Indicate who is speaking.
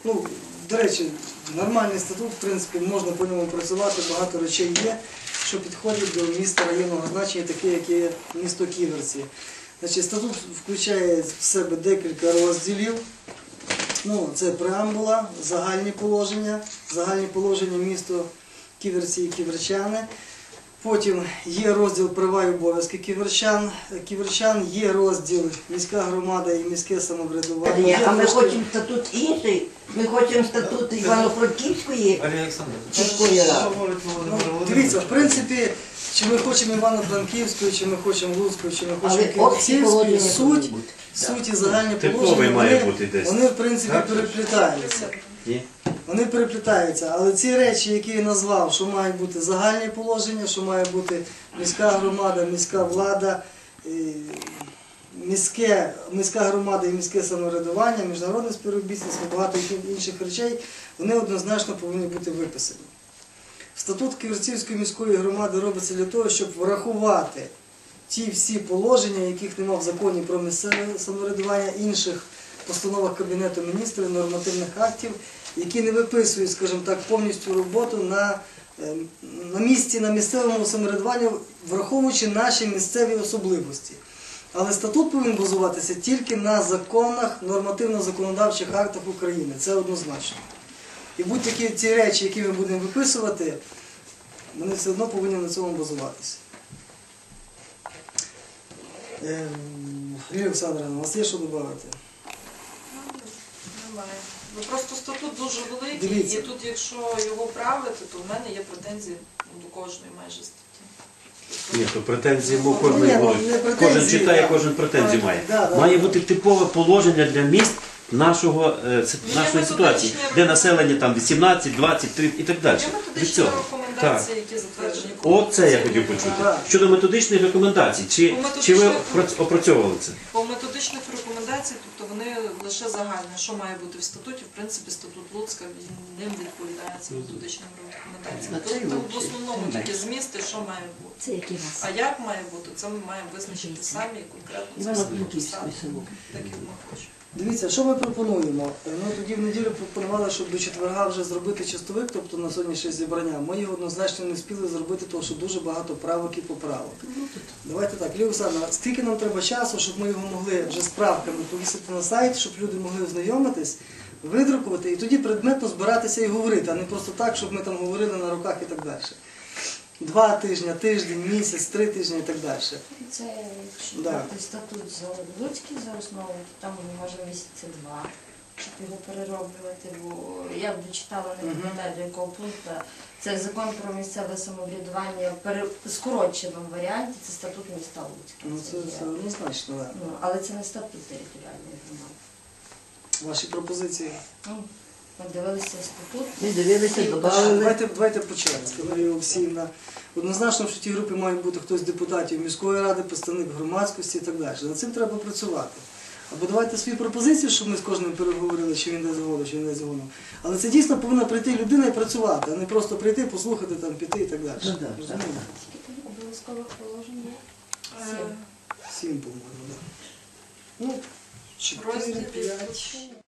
Speaker 1: Ну, до речі, нормальний статут, в принципі, можна по ньому працювати, багато речей є, що підходять до міста районного значення, таке, як є місто Ківерці. Значить, статут включає в себе декілька розділів. Ну, це преамбула, загальні положення місто Ківерці і ківерчани. Потім є розділ права і обов'язки ківерчан, є розділ міська громада і міське самоврядування.
Speaker 2: А ми хочемо статут інший, ми хочемо статут Івано-Франківської міської ради.
Speaker 1: Дивіться, в принципі, чи ми хочемо Івано-Франківської, чи ми хочемо Луцької, чи ми хочемо Ківерцівської, суть і загальні положення, вони в принципі переплітаються. Вони переплітаються, але ці речі, які я назвав, що мають бути загальні положення, що має бути міська громада, міська влада, міська громада і міське самоврядування, міжнародне співробітництво, багато інших речей, вони однозначно повинні бути виписані. Статут Ківерцівської міської громади робиться для того, щоб врахувати ті всі положення, яких немає в законі про місцеве самоврядування, інших постановах Кабінету міністрів, нормативних актів, які не виписують, скажімо так, повністю роботу на місці, на місцевому самоврядуванні, враховуючи наші місцеві особливості. Але статут повинен базуватися тільки на законах, нормативно-законодавчих актах України. Це однозначно. І будь-які ці речі, які ми будемо виписувати, вони все одно повинні на цьому базуватися. Лілія Олександрівна, у вас є що додати?
Speaker 3: Немає. Ну, просто статут дуже великий,
Speaker 1: Дивіться.
Speaker 3: І тут, якщо його правити, то в мене є претензії до кожної майже статті.
Speaker 4: Ні, то претензії кожен будуть. Кожен читає, кожен претензії має.
Speaker 1: Да.
Speaker 4: Має бути типове положення для міст нашої ситуації, де населення там 18, 20, 30 і так далі.
Speaker 3: Є
Speaker 4: Від
Speaker 3: методичні
Speaker 4: цього.
Speaker 3: рекомендації, які затверджені.
Speaker 4: Оце я хотів почути. Щодо методичних рекомендацій, чи ви опрацьовували це?
Speaker 3: По методичних рекомендацій, тобто вони лише загальні, що має бути в статуті, в принципі, статут Луцька, ним відповідає цим методичним рекомендаціям. Тобто в основному тільки змісти, що має бути.
Speaker 2: Це який нас?
Speaker 3: А як має бути, це ми маємо визначити самі і конкретно це все прописати, так як ми хочемо.
Speaker 1: Дивіться, що ми пропонуємо? Ми тоді в неділю пропонували, щоб до четверга вже зробити чистовик, тобто на сьогодні ще зібрання. Ми його однозначно не встигли зробити, тому що дуже багато правок і поправок. Давайте так, Лілія Олександрівна, скільки нам треба часу, щоб ми його могли вже з правками повісити на сайт, щоб люди могли ознайомитись, видрукувати і тоді предметно збиратися і говорити, а не просто так, щоб ми там говорили на руках і так далі. 2 тижні, тиждень, місяць, 3 тижні і так далі.
Speaker 5: Це якщо брати статут за Луцький за основу, то там може місяці 2, щоб його перероблювати, бо я дочитала, не пам'ятаю до якого пункту. Це закон про місцеве самоврядування в скороченому варіанті, це статут міста Луцька.
Speaker 1: Ну це однозначно, так.
Speaker 5: Але це не статут територіальної громади.
Speaker 1: Ваші пропозиції?
Speaker 5: Ми дивилися статут.
Speaker 2: Ми дивилися, додали.
Speaker 1: Давайте по черзі. Марія Олексіївна. Однозначно, що в тій групі має бути хтось з депутатів міської ради, представник громадськості і так далі. Над цим треба працювати. Або давайте свої пропозиції, щоб ми з кожним переговорили, чи він не згодом, чи він не згодом. Але це дійсно повинна прийти людина і працювати, а не просто прийти, послухати, там, піти і так далі. Розумієте?
Speaker 5: Скільки обов'язкових положень є?
Speaker 1: 7, по-моєму, так. Ну, 4, 5.